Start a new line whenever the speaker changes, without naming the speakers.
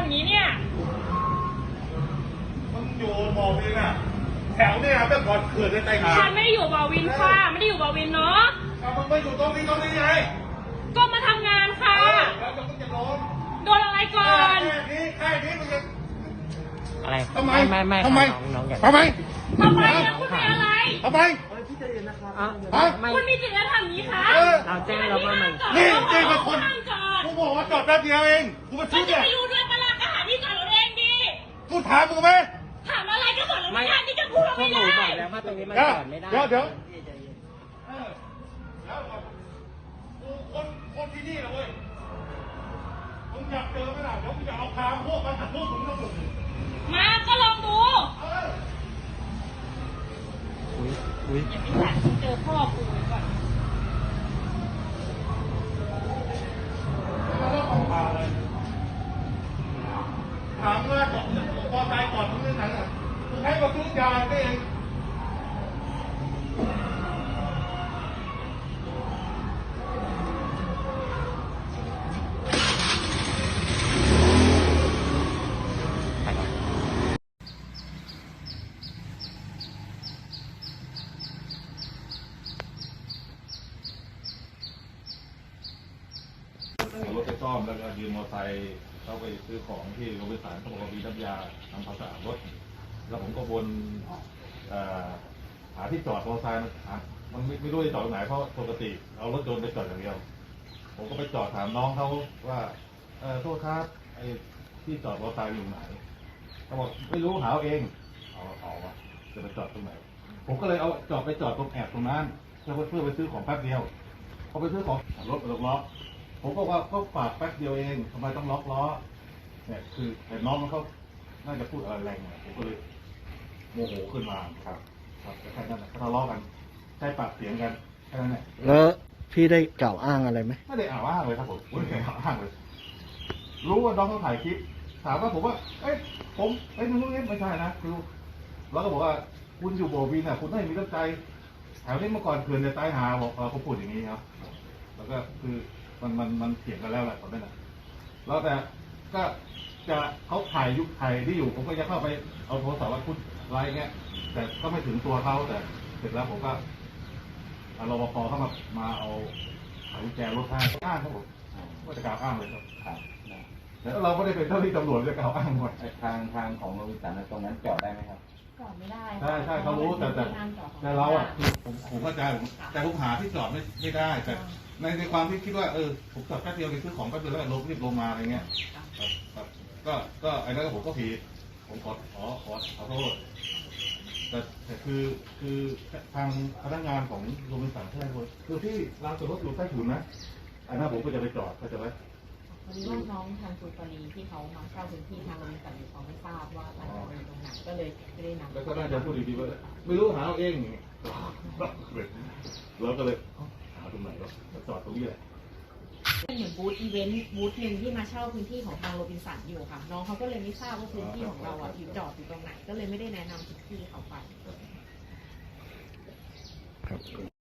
ำนี้เนี่ย
มึงอยู่บ่อวินอ่ะแถวเนี่ยเมื่อก่อนเขื่อนในไตหา
ฉันไม่ได้อยู่บ่อวินค่ะไม่ได้อยู่บ่อวินเนาะ
มึงไม่อยู่ตรงนี้ไง
ก็มาทำงานค่ะ
แล้วจะมึงจะล้ม
โดนอะไรก่อน
แค่นี้มึงจะ
อะไร
ทำไม
ไม่
ทำไม
น้องอย่า
ทำไมนะคุณเป็นอะไร
ทำไม
คุณมีสิทธิ์จะทำอย่างนี้คะ
เราแจ้งเราว่ามัน
นี่แจ้งมาคนกูบอกว่าจอดแป๊บเดียวเองกูมาซื้อเนี่ย
ไม่รู้ด้วยปะล่ะก็หาที่จอดรถเองดิ
กูถามมึงไหม
ถามอะไรก็บอกเราไม่ได้ที่จะพูดเราไม่ได้
บอกแล้วว่าตรงนี้มันจอดไม่ได้
เดี๋ยวกูคนที่นี่นะเว้ยมึงอยากเจอไหมล่ะเดี๋ยวกูจะเอาพาพวกมาถักพวกมึงทั้งหมด
มาก็ลองดู
อุ้ย
อย่าไปสั่งเจอพ่อกูก่อน
ถามว่าจอดพอใจจอดตรงนี้ไหนอ่ะมึงให้มาซื้อยาได้เองรถไปซ่อมแล้วก็ยืมมอเตอร์ไซค์เข้าไปซื้อของที่โรงพยาบาลเขาบอกว่ามีน้ำยาทำความสะอาดรถแล้วผมก็วนหาที่จอดมอเตอร์ไซค์มันไม่รู้จะจอดตรงไหนเพราะปกติเอารถยนต์ไปจอดอย่างเดียวผมก็ไปจอดถามน้องเขาว่าโทษครับไอ้ที่จอดมอเตอร์ไซค์อยู่ไหนเขาบอกไม่รู้หาเอาเองเอาวะจะไปจอดตรงไหนผมก็เลยเอาไปจอดตรงแอบตรงนั้นเพื่อไปซื้อของแป๊บเดียวพอไปซื้อของรถล็อกผมก็ว่าก็ฝากแป๊บเดียวเองทำไมต้องล็อกล้อเนี่ยคือแต่น้องมันเขาน่าจะพูดอะไรแรงหน่อยผมก็เลยโมโหขึ้นมาครับแค่นั้นทะเลาะกันใช้ปากเสียงกันแค่นั้นแหละ
แล้วพี่ได้กล่าวอ้างอะไรไหม
ไม่ได้อ้างเลยครับผมไม่ได้อ้างเลยรู้ว่าน้องเขาถ่ายคลิปถามว่าผมว่ามึงไม่ใช่นะคือแล้วก็บอกว่าคุณอยู่โบวีน่ะคุณไม่มีน้ำใจแถวนี้เมื่อก่อนเขื่อนจะตายหาบอกเขาพูดอย่างนี้ครับแล้วก็คือมันเถียงกันแล้วแหละตอนนั้นแล้วแต่ก็จะเขาถ่ายที่อยู่ผมก็จะเข้าไปเอาโทรศัพท์ว่าพูดไลน์เงี้ยแต่ก็ไม่ถึงตัวเขาแต่เสร็จแล้วผมก็รปภเข้ามาเอากุญแจรถให้อ้างครับผมก็จะกล่าวอ้างเลยครับแต่เราไม่ได้เป็นเจ้าที่ตำรวจจะกล่าวอ้างหมด
ทางของโรงพยาบาลตรงนั้นจอดได้ไหมครับ
จอดไม่ได้
ใช่เขารู้แต่เราอ่ะผมเข้าใจแต่ผมหาที่จอดไม่ได้แต่ในความที่คิดว่าผมจอดแป๊บเดียวไปซื้อของแป๊บเดียวแล้วรีบลงมาอะไรเงี้ยก็ไอ้นั่นผมก็ผิดผมขอโทษแต่คือทางพนักงานของโรงพยาบาลใช่ไหมคนคือที่ลานจอดรถอยู่ใต้ถุนนะอันนั้นผมก็จะไปจอดก็จะไว้
พอดีว่าน้องทางสุปรีที่เขามาเช่าพื้นที่ทางโรงพยาบาลเขาไม่ทราบว่าร้านจอดรถตรงไหนก็เลยไม่ได้นำ
แล้วก็น่าจะพูดดีๆว่าไม่รู้หาเอาเองแล้วก็เลยหาตรงไหนวะจอดตรงนี้แหละ
เป็นเหมือนบูธอีเวนต์บูธหนึ่งที่มาเช่าพื้นที่ของทางโรบินสันอยู่ค่ะน้องเขาก็เลยไม่ทราบว่าพื้นที่ของเราอ่ะอยู่จอดอยู่ตรงไหนก็เลยไม่ได้แนะนำพื้นที่เขาไป